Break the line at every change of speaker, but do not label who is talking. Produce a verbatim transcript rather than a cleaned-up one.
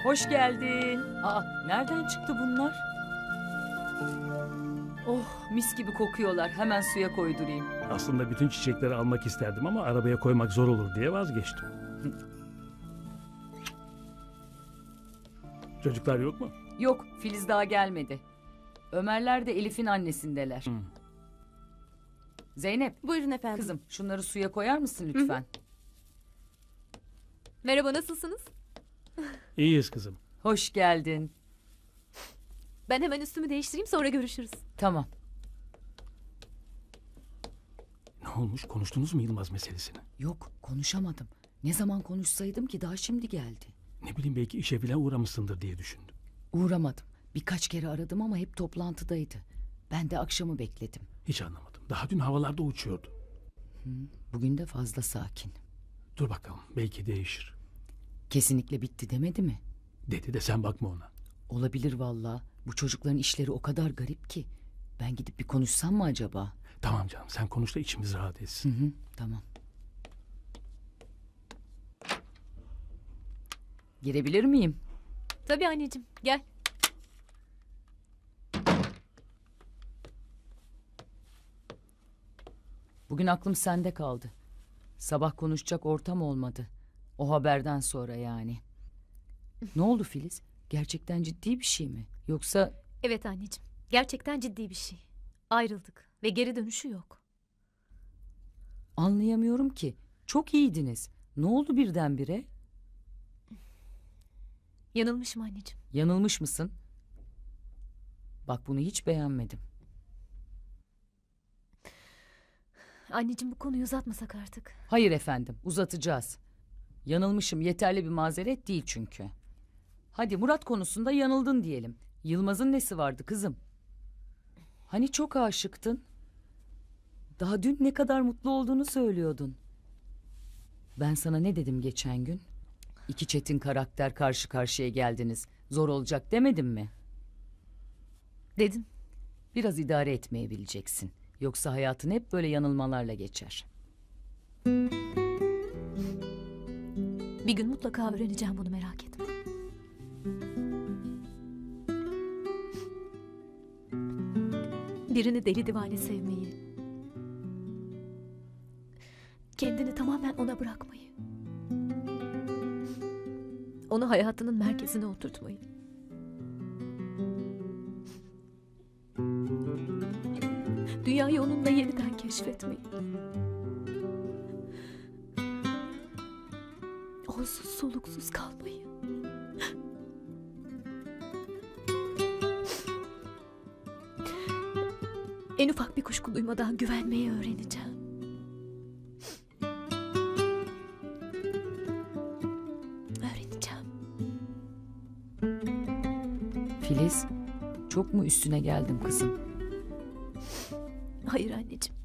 Hoş geldin. Aa, nereden çıktı bunlar? Oh, mis gibi kokuyorlar. Hemen suya koydurayım.
Aslında bütün çiçekleri almak isterdim ama arabaya koymak zor olur diye vazgeçtim. Çocuklar yok mu?
Yok, Filiz daha gelmedi. Ömerler de Elif'in annesindeler.
Hı.
Zeynep,
Buyurun efendim.
kızım şunları suya koyar mısın lütfen?
Merhaba, nasılsınız?
İyiyiz kızım.
Hoş geldin.
Ben hemen üstümü değiştireyim, sonra görüşürüz.
Tamam.
Ne olmuş? Konuştunuz mu Yılmaz meselesini?
Yok, konuşamadım. Ne zaman konuşsaydım ki daha şimdi geldi.
Ne bileyim belki işe bile uğramışsındır diye düşündüm.
Uğramadım. Birkaç kere aradım ama hep toplantıdaydı. Ben de akşamı bekledim.
Hiç anlamadım. Daha dün havalarda uçuyordu.
Bugün de fazla sakin.
Dur bakalım belki değişir.
Kesinlikle bitti demedi mi?
Dedi de sen bakma ona.
Olabilir vallahi. Bu çocukların işleri o kadar garip ki. Ben gidip bir konuşsam mı acaba?
Tamam canım sen konuş da içimiz rahat
Hı
etsin.
hı, tamam. Girebilir miyim?
Tabii anneciğim, gel.
Bugün aklım sende kaldı. Sabah konuşacak ortam olmadı. O haberden sonra yani. Ne oldu Filiz? Gerçekten ciddi bir şey mi? Yoksa
Evet anneciğim, gerçekten ciddi bir şey. Ayrıldık ve geri dönüşü yok.
anlayamıyorum ki. Çok iyiydiniz. Ne oldu birdenbire?
Yanılmışım anneciğim.
Yanılmış mısın? Bak bunu hiç beğenmedim.
Anneciğim, bu konuyu uzatmasak artık.
Hayır efendim, uzatacağız. Yanılmışım yeterli bir mazeret değil çünkü. Hadi Murat konusunda yanıldın diyelim. Yılmaz'ın nesi vardı kızım? Hani çok aşıktın? Daha dün ne kadar mutlu olduğunu söylüyordun. Ben sana ne dedim geçen gün? İki çetin karakter karşı karşıya geldiniz. Zor olacak demedim mi?
Dedin.
Biraz idare etmeyi bileceksin. Yoksa hayatın hep böyle yanılmalarla geçer.
Bir gün mutlaka öğreneceğim bunu, merak etme. Birini deli divane sevmeyi, kendini tamamen ona bırakmayı, onu hayatının merkezine oturtmayı, dünyayı onunla yeniden keşfetmeyi, onsuz soluksuz kalmayı. En ufak bir kuşku duymadan güvenmeyi öğreneceğim. Öğreneceğim.
Filiz, çok mu üstüne geldim kızım?
Hayır anneciğim.